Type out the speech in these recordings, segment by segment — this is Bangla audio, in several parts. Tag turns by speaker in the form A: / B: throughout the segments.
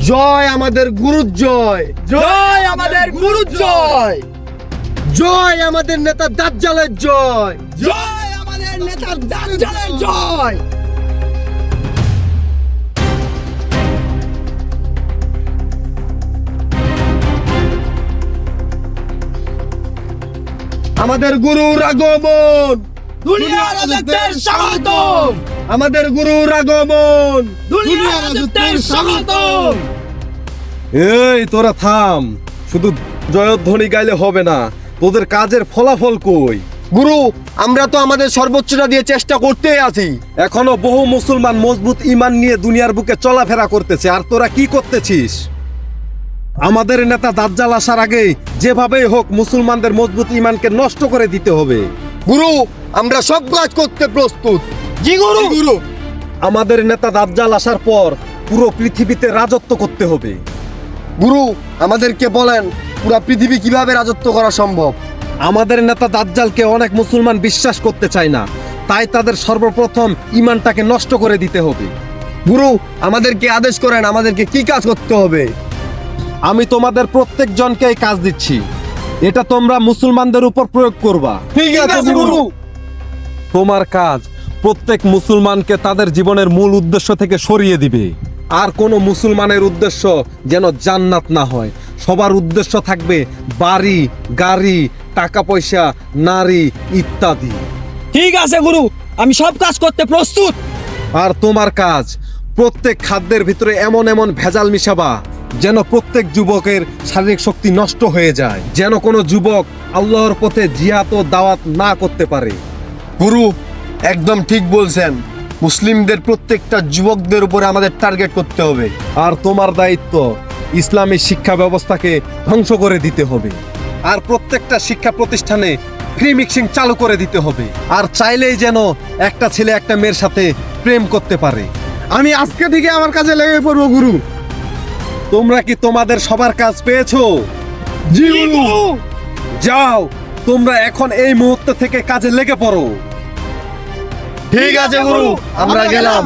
A: জয় আমাদের গুরুর জয়,
B: জয় আমাদের গুরুর জয়,
A: জয় আমাদের নেতা দাজ্জালের জয়,
B: জয় আমাদের নেতা দাজ্জালের জয়।
A: আমাদের গুরুর আগমন,
B: দুনিয়া রাজত্বের স্বাগতম,
A: আমাদের গুরুর আগমন।
B: দুনিয়া রাজত্বের স্বাগতম।
C: এই তোরা থাম, শুধু জয়ধ্বনি গাইলে হবে না, তোদের কাজের ফলাফল কই?
A: গুরু, আমরা তো আমাদের সর্বোচ্চটা দিয়ে চেষ্টা করতেই আছি।
C: এখনো বহু মুসলমান মজবুত ঈমান নিয়ে দুনিয়ার বুকে চলাফেরা করতেছে, আর তোরা কি করতেছিস? আমাদের নেতা দাজ্জাল আসার আগে যেভাবেই হোক মুসলমানদের মজবুত ঈমানকে নষ্ট করে দিতে হবে।
A: গুরু, আমরা সব কাজ করতে প্রস্তুত।
B: জি গুরু।
A: গুরু,
C: আমাদের নেতা দাজ্জাল আসার পর পুরো পৃথিবীতে রাজত্ব করতে হবে।
A: গুরু, আমাদেরকে বলেন পুরো পৃথিবী কিভাবে রাজত্ব করা সম্ভব।
C: আমাদের নেতা দাজ্জালকে অনেক মুসলমান বিশ্বাস করতে চায় না, তাই তাদের সর্বপ্রথম ঈমানটাকে নষ্ট করে দিতে হবে।
A: গুরু, আমাদেরকে আদেশ করেন আমাদেরকে কি কাজ করতে হবে।
C: আমি তোমাদের প্রত্যেকজনকে এই কাজ দিচ্ছি, এটা তোমরা মুসলমানদের উপর প্রয়োগ করবা।
A: ঠিক আছে গুরু।
C: তোমার কাজ প্রত্যেক মুসলমানকে তাদের জীবনের মূল উদ্দেশ্য থেকে সরিয়ে দিবে। আর কোনো মুসলমানের উদ্দেশ্য যেন জান্নাত না হয়, সবার উদ্দেশ্য থাকবে বাড়ি, গাড়ি, টাকা পয়সা, নারী ইত্যাদি।
B: ঠিক আছে গুরু, আমি সব কাজ করতে প্রস্তুত।
C: আর তোমার কাজ প্রত্যেক খাদ্যের ভিতরে এমন এমন ভেজাল মিশাবা যেন প্রত্যেক যুবকের শারীরিক শক্তি নষ্ট হয়ে যায়, যেন কোনো যুবক আল্লাহর পথে জিহাদ ও দাওয়াত না করতে পারে।
A: গুরু, একদম ঠিক বলছেন। মুসলিমদের প্রত্যেকটা যুবকদের উপরে আমাদের টার্গেট করতে হবে।
C: আর তোমার দায়িত্ব ইসলামী শিক্ষা ব্যবস্থাকে ধ্বংস করে দিতে হবে, আর প্রত্যেকটা শিক্ষা প্রতিষ্ঠানে ফ্রি মিক্সিং চালু করে দিতে হবে। আর চাইলেই যেন একটা ছেলে একটা মেয়ের সাথে প্রেম করতে পারে।
A: আমি আজকে থেকে আমার কাজে লেগে পড়বো গুরু।
C: তোমরা কি তোমাদের সবার কাজ পেয়েছো?
A: জি গুরু।
C: যাও, তোমরা এখন এই মুহূর্ত থেকে কাজে লেগে পড়ো।
A: ঠিক আছে গুরু, আমরা গেলাম।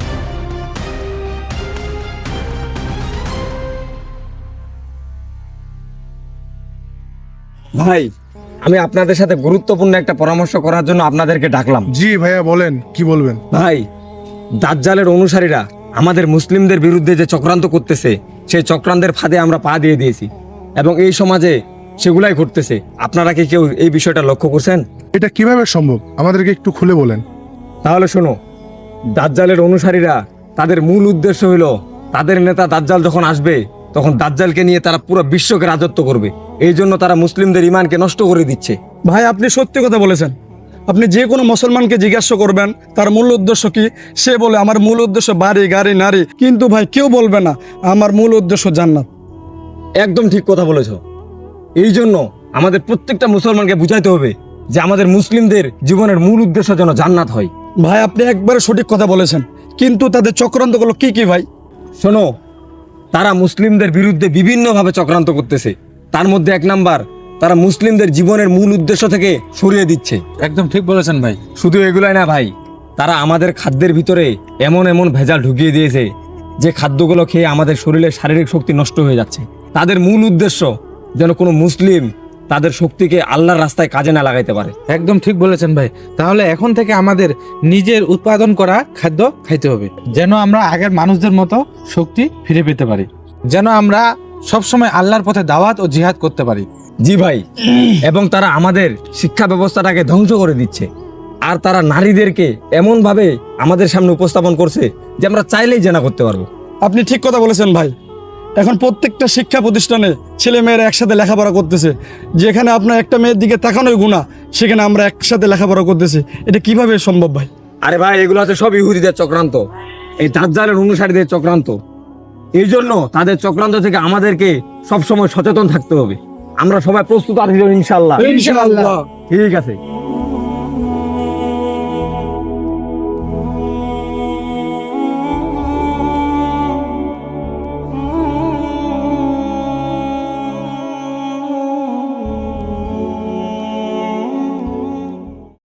D: ভাই, আমি আপনাদের সাথে গুরুত্বপূর্ণ একটা পরামর্শ করার জন্য আপনাদেরকে ডাকলাম।
E: জি ভাইয়া, বলেন কি বলবেন।
D: ভাই, দাজ্জালের অনুসারীরা আমাদের মুসলিমদের বিরুদ্ধে যে চক্রান্ত করতেছে, সেই চক্রান্তের ফাঁদে আমরা পা দিয়ে দিয়েছি এবং এই সমাজে সেগুলাই ঘটতেছে। আপনারা কি কেউ এই বিষয়টা লক্ষ্য করছেন?
E: এটা কিভাবে সম্ভব, আমাদেরকে একটু খুলে বলেন।
D: তাহলে শোনো, দাজ্জালের অনুসারীরা তাদের মূল উদ্দেশ্য হলো তাদের নেতা দাজ্জাল যখন আসবে তখন দাজ্জালকে নিয়ে তারা পুরো বিশ্বকে রাজত্ব করবে। এই জন্য তারা মুসলিমদের ঈমানকে নষ্ট করে দিচ্ছে।
F: ভাই, আপনি সত্যি কথা বলেছেন। আপনি যে কোনো মুসলমানকে জিজ্ঞাসা করবেন তার মূল উদ্দেশ্য কি, সে বলে আমার মূল উদ্দেশ্য বাড়ি, গাড়ি, নারী। কিন্তু ভাই, কেউ বলবে না আমার মূল উদ্দেশ্য জান্নাত।
D: একদম ঠিক কথা বলেছো। এই জন্য আমাদের প্রত্যেকটা মুসলমানকে বুঝাইতে হবে যে আমাদের মুসলিমদের জীবনের মূল উদ্দেশ্য যেন জান্নাত হয়।
F: ভাই, আপনি একবারে সঠিক কথা বলেছেন, কিন্তু তাদের চক্রান্তগুলো কি কি ভাই?
D: শোনো, তারা মুসলিমদের বিরুদ্ধে বিভিন্নভাবে চক্রান্ত করতেছে। তার মধ্যে এক নাম্বার, তারা মুসলিমদের জীবনের মূল উদ্দেশ্য থেকে সরিয়ে দিচ্ছে।
G: একদম ঠিক বলেছেন ভাই।
D: শুধু এগুলাই না ভাই, তারা আমাদের খাদ্যের ভিতরে এমন এমন ভেজাল ঢুকিয়ে দিয়েছে যে খাদ্যগুলো খেয়ে আমাদের শরীরের শারীরিক শক্তি নষ্ট হয়ে যাচ্ছে। তাদের মূল উদ্দেশ্য যেন কোনো মুসলিম তাদের শক্তিকে আল্লাহর রাস্তায় কাজে না লাগাইতে পারে।
G: একদম ঠিক বলেছেন ভাই। তাহলে এখন থেকে আমাদের নিজের উৎপাদন করা খাদ্য খাইতে হবে, যেন আমরা আগের মানুষদের মতো শক্তি ফিরে পেতে পারি, যেন আমরা সবসময় আল্লাহর পথে দাওয়াত ও জিহাদ করতে পারি।
D: জি ভাই, এবং তারা আমাদের শিক্ষা ব্যবস্থাটাকে ধ্বংস করে দিচ্ছে। আর তারা নারীদেরকে এমনভাবে আমাদের সামনে উপস্থাপন করছে যে আমরা চাইলেই জেনা করতে পারবো।
F: আপনি ঠিক কথা বলেছেন ভাই। এখন প্রত্যেকটা শিক্ষা প্রতিষ্ঠানে ছেলে মেয়েরা একসাথে লেখাপড়া করতেছে। যেখানে আপনার একটা মেয়ের দিকে তাকানোই গুনাহ, সেখানে আমরা একসাথে লেখাপড়া করতেছি। এটা কিভাবে সম্ভব ভাই?
D: আরে ভাই, এগুলো হচ্ছে সব ইহুদিদের চক্রান্ত, এই দাজ্জালের অনুসারীদের চক্রান্ত। এই জন্য তাদের চক্রান্ত থেকে আমাদেরকে সবসময় সচেতন থাকতে হবে। আমরা সবাই প্রস্তুত আছি ইনশাআল্লাহ।
F: ইনশাআল্লাহ।
D: ঠিক আছে।